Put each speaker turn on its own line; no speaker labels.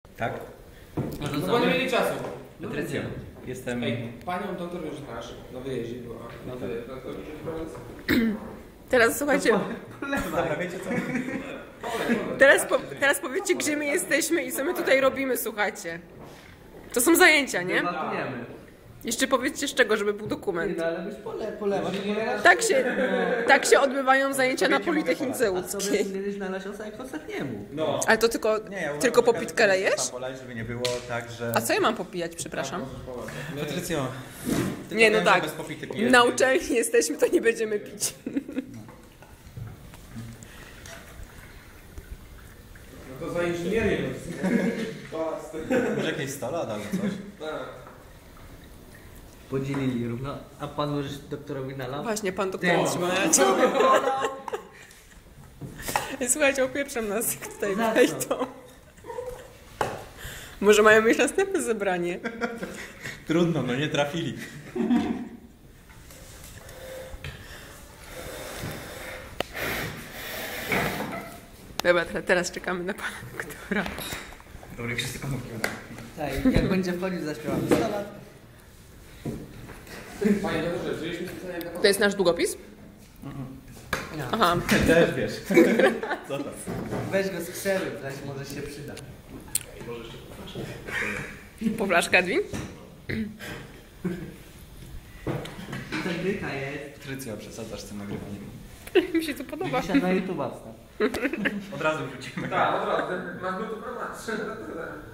Tak?
No bo nie mieli czasu.
Patrycja, jestem...
Ej, panią doktor już znasz, na wyjeździe była. Na wyjeździe,
Teraz słuchajcie,
Dobra, wiecie co?
teraz powiedzcie, gdzie my jesteśmy i co my tutaj robimy, słuchajcie. To są zajęcia, nie?
Debatujemy.
Jeszcze powiedzcie z czego, żeby był dokument.
No ale byś polewasz.
Tak się odbywają zajęcia na Politechnice
A sobie
Łódzkiej.
powinieneś nalać jak ostatniemu.
No.
Ale to tylko
uważam,
po
że
pitkę lejesz?
tam polać, żeby nie było tak, że...
A co ja mam popijać, przepraszam?
Patrycjo, ty
Nie, no
powiem, że
tak.
bez popity pijesz.
Na uczelni jesteśmy, to nie będziemy pić.
No to za inżynierię.
Może jakieś 100 lat albo coś?
Podzielili równo, a pan możesz doktorowi nalał?
Właśnie, pan doktor trzyma. Słuchajcie, opieprzam nas, jak tutaj
Za co?
wejdą. Może mają mieć następne zebranie.
Trudno, no nie trafili.
Dobra, teraz czekamy na pana doktora.
Dobry, wszyscy komórki.
Tak, jak będzie wchodził, zaśpiewamy 100 lat.
Panie doktorze, wzięliśmy specjalnie taką...
To jest nasz długopis? Aha.
Też wiesz. Co to?
Weź go z krzewy, zaś może się przyda.
Po flaszkę, Edwin?
I ta gryka jest.
Patrycja, przesadzasz z tym nagrywaniem.
Mi się to podoba.
Dzisiaj na YouTube'a wstaw.
Od razu wrzucimy.
Tak, od razu. Masz go tu prowadzić.